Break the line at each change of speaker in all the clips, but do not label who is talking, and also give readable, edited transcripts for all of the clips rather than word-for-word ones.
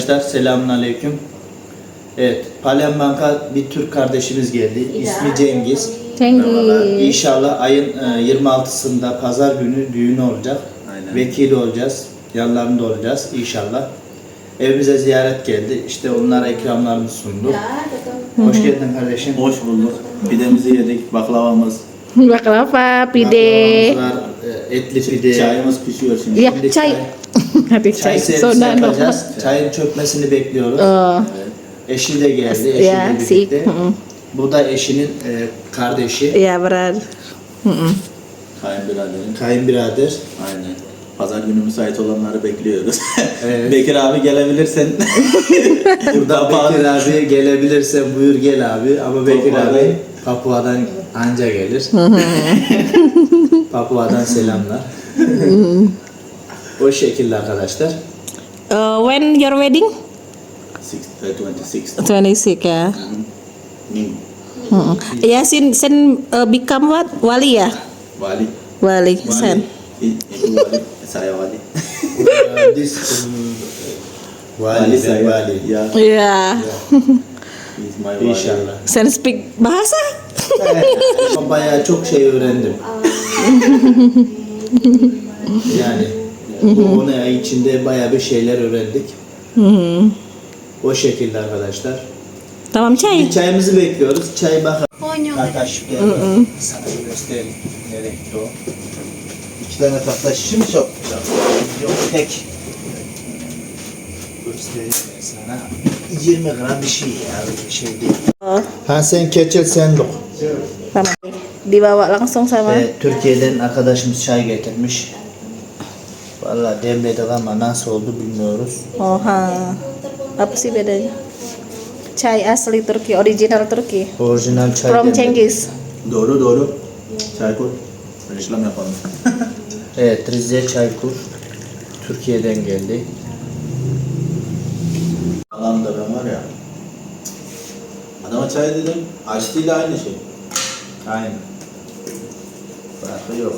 Arkadaşlar selamünaleyküm. Evet, Palembang'a bir Türk kardeşimiz geldi. İsmi Cengiz.
Cengiz.
İnşallah ayın 26'sında pazar günü düğünü olacak.
Aynen.
Vekili olacağız. Yanlarında olacağız inşallah. Evimize ziyaret geldi. İşte onlara ikramlarını sunduk. Hoş geldin kardeşim.
Hoş bulduk. Pidemizi yedik, baklavamız.
Baklava, pide.
Baklavamız var, etli pide.
Çayımız pişiyor şimdi.
Ya,
Şimdi
çay. Hadi
Çay
çay.
servisi
Sonra
yapacağız. Çayın çökmesini bekliyoruz.
Oh,
Eşi de geldi.
ya,
Eşiyle
si.
birlikte. Bu da eşinin kardeşi.
Ya benar.
Kayınbiraderim.
Kayınbirader.
Aynen. Pazar günü müsait olanları bekliyoruz.
Evet.
Bekir abi gelebilirsen.
Burada Bekir abi gelebilirse buyur gel abi. Ama Bekir
Papua'dan.
abi Papua'dan anca gelir. Papua'dan selamlar. O şekilde arkadaşlar.
When your wedding?
26.
26 ya.
Minggu.
Ya sen become what? Wali ya?
Wali.
Wali sen.
Itu wali. Saya wali.
This
Wali saya.
Wali.
Ya.
Ya.
He's my wali.
İnşallah.
Sen speak bahasa?
Bayağı çok şey öğrendim. Yani bu 10 ay içinde bayağı bir şeyler öğrendik. O şekilde arkadaşlar.
Tamam çay.
Bir çayımızı bekliyoruz. Çay bakalım. Arkadaş sana göstereyim. Nereye gitti o? 2 tane tatlı şişi mi çok güzel? Yok tek. Göstereyim ben sana. 20 gram bir şey ya. Bir şey değil.
Oh,
Ha sen keçel sen dok.
tamam. Dibawa langsung sama.
Türkiye'den arkadaşımız çay getirmiş. Vallahi demledik ama nasıl oldu bilmiyoruz.
Oha. Apa sih bedanya? Chai asli Turki, original Turki.
Orijinal çay
From
demledik.
Cengiz.
Doğru. Çay koy. Reklam yapalım.
Evet, Rize Çaykur. Türkiye'den geldi.
Adam da ben var ya. Adama çay dedim. Açtı ile aynı şey.
Aynen. Farkı yok.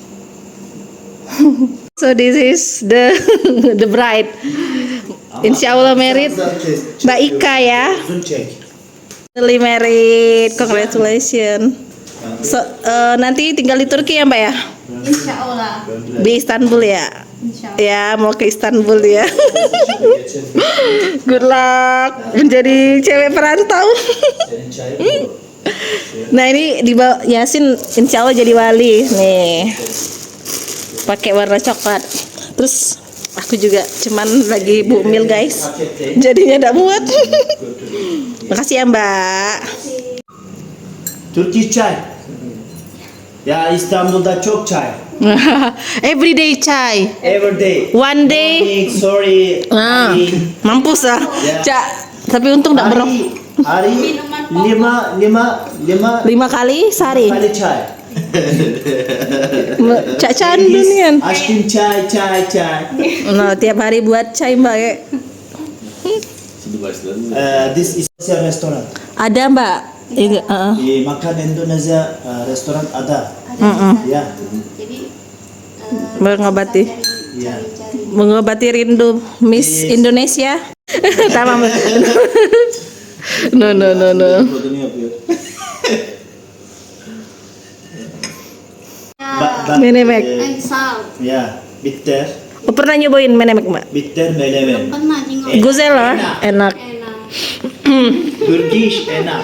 So this is the the bride. Insyaallah married. Mbak Ika ya.
Uzun çek.
Really married. Congratulations. So, nanti tinggal di Turki ya Mbak ya?
Insya Allah.
Di Istanbul ya?
Insya Allah.
Ya mau ke Istanbul ya. Good luck menjadi cewek perantau.
Senin çayın mı?
Nah ini di Yasin insya Allah jadi wali nih, pakai warna coklat. Terus aku juga cuman lagi bumil guys, jadinya tidak muat. Makasih ya Mbak.
Türkiye çay. Ya İstanbul'da çok çay.
Everyday chai,
Every day.
one day.
Morning, sorry.
Nah, mampus ah,
Ya.
Cak. Tapi untung tidak berok.
Hari
5 kali sehari.
kali çay.
Cak candu nih kan.
Aşkım çay.
Nah, tiap hari buat chai Mbak ya.
Şimdi başladı.
This is a restoran.
Ada Mbak. Iya,
Makan Indonesia restoran ada. Ya.
Jadi
mengobati.
Ya.
Mengobati rindu Miss
Yes.
Indonesia. Tamam. No.
Kodunu yapıyor.
Menemek.
sal.
Ya. Bitter.
Oh, pernah nyobain menemek Mbak?
Bitter melemen.
Pernah jengol.
Guzel lah, enak.
Enak.
Turkish enak.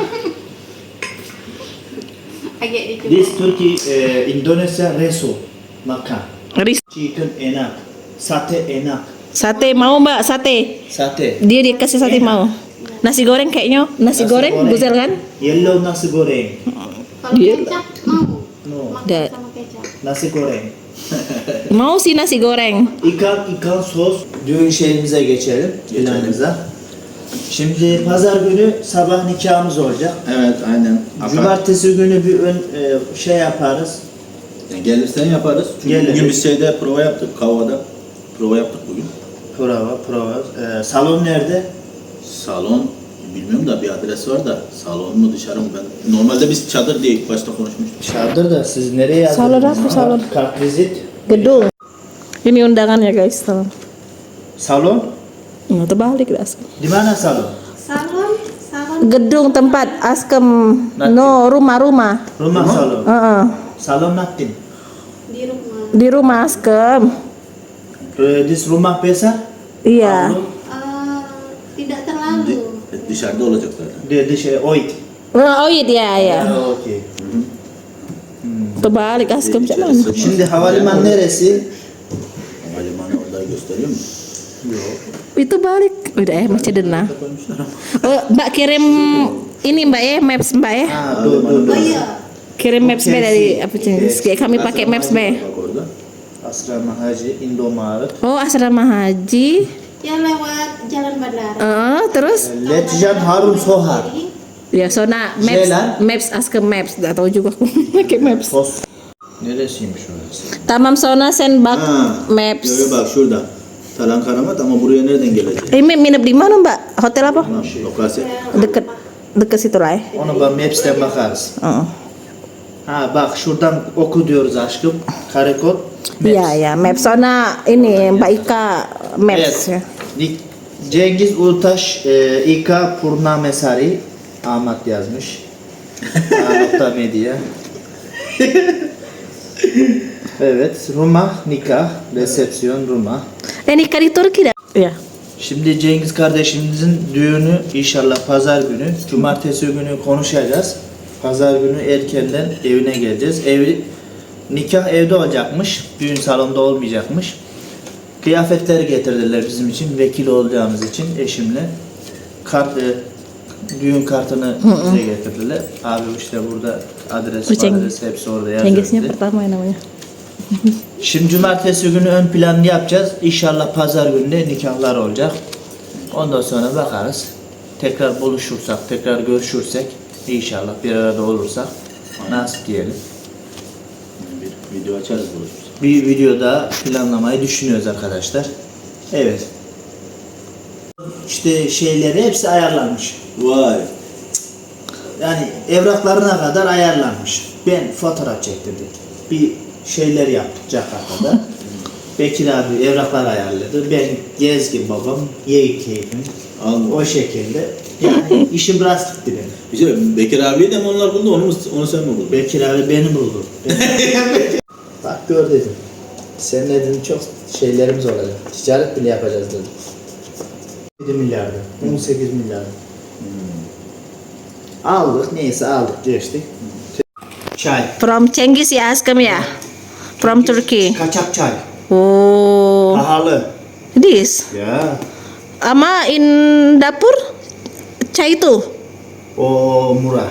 Agak dicoba.
This Turkey Indonesia reso makan.
Ris.
Chicken enak. Sate enak.
Sate mau Mbak, sate.
Sate.
Dia dikasih sate mau. Nasi goreng kayaknya, nasi goreng guzel kan?
Yellow nasi goreng.
Kalau
Dia-
kecap mau.
No.
Makan
Da-
sama kecap.
Nasi goreng.
Mau sih nasi goreng.
İkan sos. Düğün şeyimize geçelim. Planımıza. Şimdi pazar günü sabah nikahımız olacak.
Evet aynen.
Cumartesi günü bir şey yaparız.
Yani gelirsen yaparız. Çünkü
Gelirim.
bugün biz şeyde prova yaptık. Kavada. Prova yaptık bugün.
Prova. Salon nerede?
Salon bilmiyorum da bir adres var da salon mu dışarı mı ben. Normalde biz çadır diye ilk başta konuşmuştuk.
Çadır da siz nereye yazdınız?
Salon apa, salon?
Kartvizit.
Gedung. Ini undangannya guys, tuh.
Salon.
Nggak terbalik dah.
Di mana salon?
Salon. Salon.
Gedung tempat Askem. No, rumah-rumah.
Rumah salon. Salon nothing.
Di rumah.
Di rumah Askem.
This rumah besar?
Iya.
Tidak terlalu.
Dışarıda olacaklar.
Di şey oy.
Oh iya ya.
Okey.
Terbalik Askem macam mana?
Şimdi havalimanı neresi?
Havalimanı orada gösteriyor mu?
Itu balik. Udah masih denah. Oh, Mbak kirim ini Mbak ya, maps Mbak ya.
Dur.
Oh iya.
Kirim maps Mbak dari apa jenis? Kayak kami pakai maps Mbak.
Bak orada.
Asrama Haji Indomaret.
Oh, asrama haji.
Yang lewat jalan bandara.
Terus
Letjan Harun Sohar.
ya Sona maps
Jalan.
maps Askem maps. Enggak tahu juga aku pakai maps.
Pos. Neresiymiş orası?
Tamam Sona send back maps.
Yo, bak şurada. Talan Karamat ama buraya nereden gelecek?
Ini nginep di mana Mbak? Hotel apa?
Tamam, lokasi.
Deket situ lah ya.
Onu ben Maps'ten bakarız. Bak şuradan oku diyoruz aşkım. Karekod.
Iya ya, maps Sona ini Mbak Ika maps ya.
Cengiz Ulutaş, İK Purnamesari Ahmet yazmış. A.Media. Evet, rumah, nikah, resepsiyon, rumah.
Nikah di Turki dah. Iya.
Şimdi Cengiz kardeşimizin düğünü inşallah pazar günü. Cumartesi günü konuşacağız. Pazar günü erkenden evine geleceğiz. Nikah evde olacakmış. Düğün salonda olmayacakmış. Kıyafetleri getirdiler bizim için. Vekil olacağımız için eşimle. Düğün kartını bize getirdiler. Abi işte burada adres hepsi orada
Cengiznya
yazıyor.
pertama ya namanya.
Şimdi cumartesi günü ön planını yapacağız. İnşallah pazar günü de nikahlar olacak. Ondan sonra bakarız. Tekrar buluşursak, tekrar görüşürsek, inşallah bir arada olursak nasip diyelim.
Bir video açarız buluşuruz.
Bir videoda planlamayı düşünüyoruz arkadaşlar. Evet. İşte şeyleri hepsi ayarlanmış.
Vay.
Yani evraklarına kadar ayarlanmış. Ben fotoğraf çektirdik. Bir şeyler yaptık Jakarta'da. Bekir abi evraklar ayarladı. Ben gezgin babam, ye keyfim. O şekilde. Yani işim biraz gitti benim.
Bir şey, Bekir abiyi de mi onlar buldu, onu sen mi buldun?
Bekir abi beni buldu. Bak gör dedim. Seninle dedim çok şeylerimiz olacak. Ticaret bile yapacağız dedim. 7 milyarda, 18 milyarda. Aldık neyse aldık geçtik. Çay.
From Cengiz ya Askem ya. From Turkey.
Kaçak çay.
Oh.
Pahalı.
This.
Ya.
Ama in dapur çay itu.
O murah.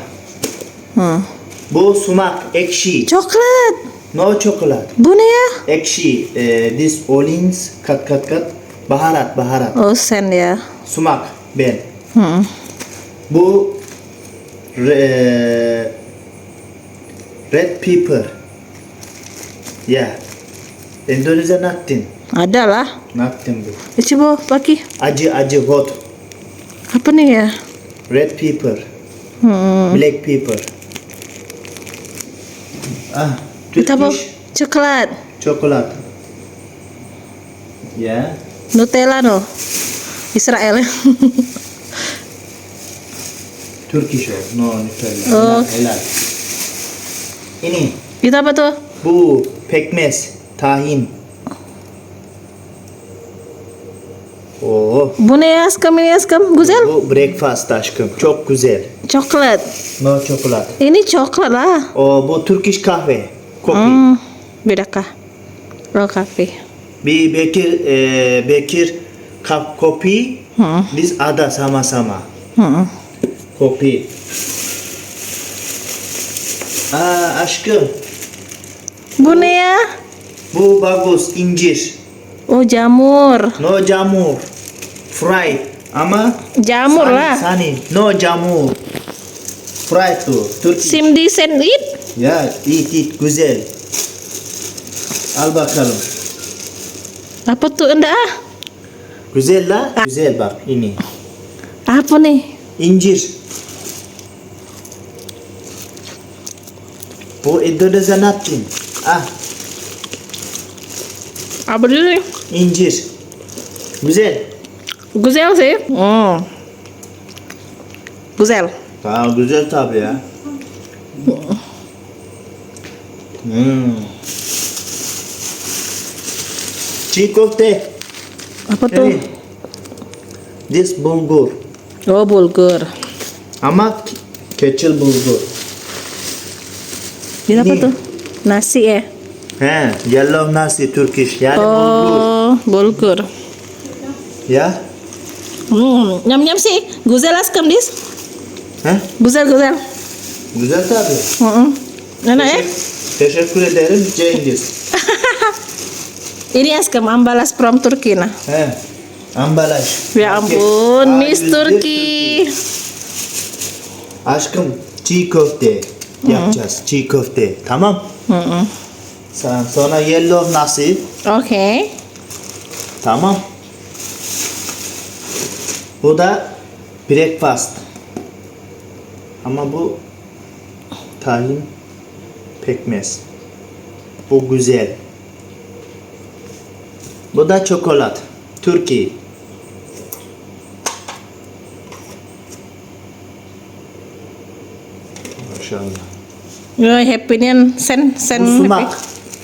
Bu sumak ekşi.
Coklat.
No çokolat.
Bu ne ya?
Ekşi. This olins kat. Baharat.
Oh sen ya.
Sumak ben.
Hmm.
Bu red pepper. Ya. Endonezya nothing.
Ada lah.
Nothing bu.
Coba pakai.
Acı hot.
Apa nih ya?
Red pepper. Black pepper.
Itu apa?
Turkish
Coklat.
çokolat. Ya.
Nutella no. Israel.
Turkish o. No Nutella.
Oh.
Helal. Ini.
Itu apa tuh?
Bu pekmez. Tahin. Oo.
Bu ne ya Askem ini Askem? Güzel.
Bu breakfast aşkım. Çok güzel.
Coklat.
No çokolat.
Ini coklat lah.
O bu Turkish kahve. Kopi.
Beda kah? Oh kafe.
Bir Bekir kap kopi. Biz ada sama-sama. Kopi. Aşkım.
Bu ne ya?
Bu bagus incir.
Oh jamur.
No jamur. Fried. Ama
Jamur lah.
Sani. No jamur. Fried tu. Turkish.
Simdi sandwich.
Ya it güzel. Al bakalım.
Apa tuh enggak?
Güzel la. Güzel bak ini.
Apa nih?
İncir. Bu Endonezya nothing.
Apa dulu nih?
İncir. Güzel.
Güzel sih. Güzel.
Aa, güzel tabii ya. Çiğ köfte.
Apa tuh?
Hey. This bulgur.
Oh, bulgur.
Ama keçil bulgur.
Ini apa
Ini.
tuh? Nasi ya?
He, yellow nasi Turkish yani bulgur.
Oh, bulgur.
Ya.
Nyam-nyam sih. Güzel askım dis.
He?
Güzel.
Güzel tabii.
Enak ya?
Teşekkür ederim Cengiz.
Ini askım ambalas from Turki nah.
He. Ambalaj.
Ya
Paket.
ampun, Miss
A101
Turki.
Aşkım çiğ köfte yapacağız. Çiğ köfte. Tamam. Sonra yellow nasi.
Oke.
Tamam. Bu da breakfast. Ama bu tahin pekmez. Bu güzel. Bu da çokolat. Türkiye. Maşallah.
Rồi happy-nya sen
Bu
happy.
sumak.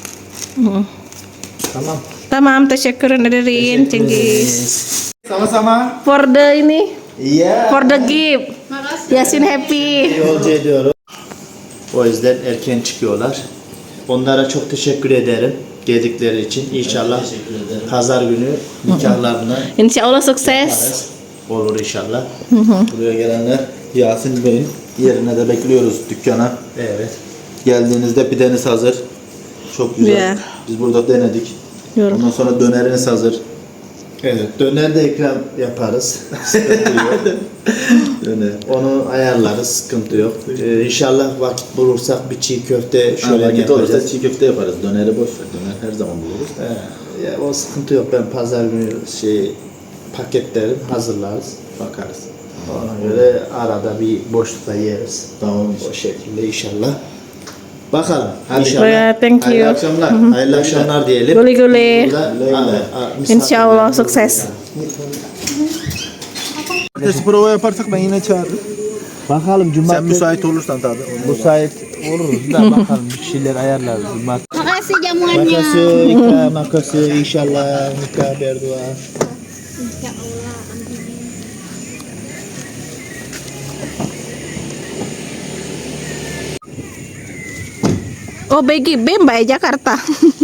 Tamam.
Tamam, teşekkür ederim Cengiz.
Sama-sama.
For the ini,
Iya.
for the gift.
Makasih.
Yasin happy.
Yolcu ediyorum. O yüzden erken çıkıyorlar. Onlara çok teşekkür ederim geldikleri için. İnşallah
Teşekkür ederim.
pazar günü nikahlarına
Insya Allah sukses.
yaparız. Olur inşallah.
Buraya gelenler Yasin Bey'in yerine de bekliyoruz dükkana.
Evet.
Geldiğinizde pideniz hazır. Çok güzel.
Ya.
Biz burada denedik.
Yorum.
Ondan sonra döneriniz hazır.
Evet. Döner de ikram yaparız.
Döner.
Onu ayarlarız. Sıkıntı yok. İnşallah vakit bulursak bir çiğ köfte şöyle
Vakit olursa
yapacağız.
çiğ köfte yaparız. Döneri boş ver. Döner her zaman buluruz.
Ya, o sıkıntı yok. Ben pazar günü paketlerim hazırlarız.
Bakarız.
Ona göre arada bir boşlukta yeriz.
Tamam
O şekilde inşallah. Bakalım. Hadi
Ya, thank you.
Hayırlı akşamlar. Hayırlı akşamlar diyelim.
Guli-guli.
Burada,
Insya Allah sukses.
Cumartesi prova yaparsak ben yine çağırırım.
Bakalım
Sen
cumartesi
müsait olursan tabii.
müsait oluruz da bakalım bir şeyler ayarlarız.
Makasih jamuannya.
Makasih Ika, makasih inşallah nikah berdua.
Insya Allah.
Oh, Begi Bem, Mbak Jakarta.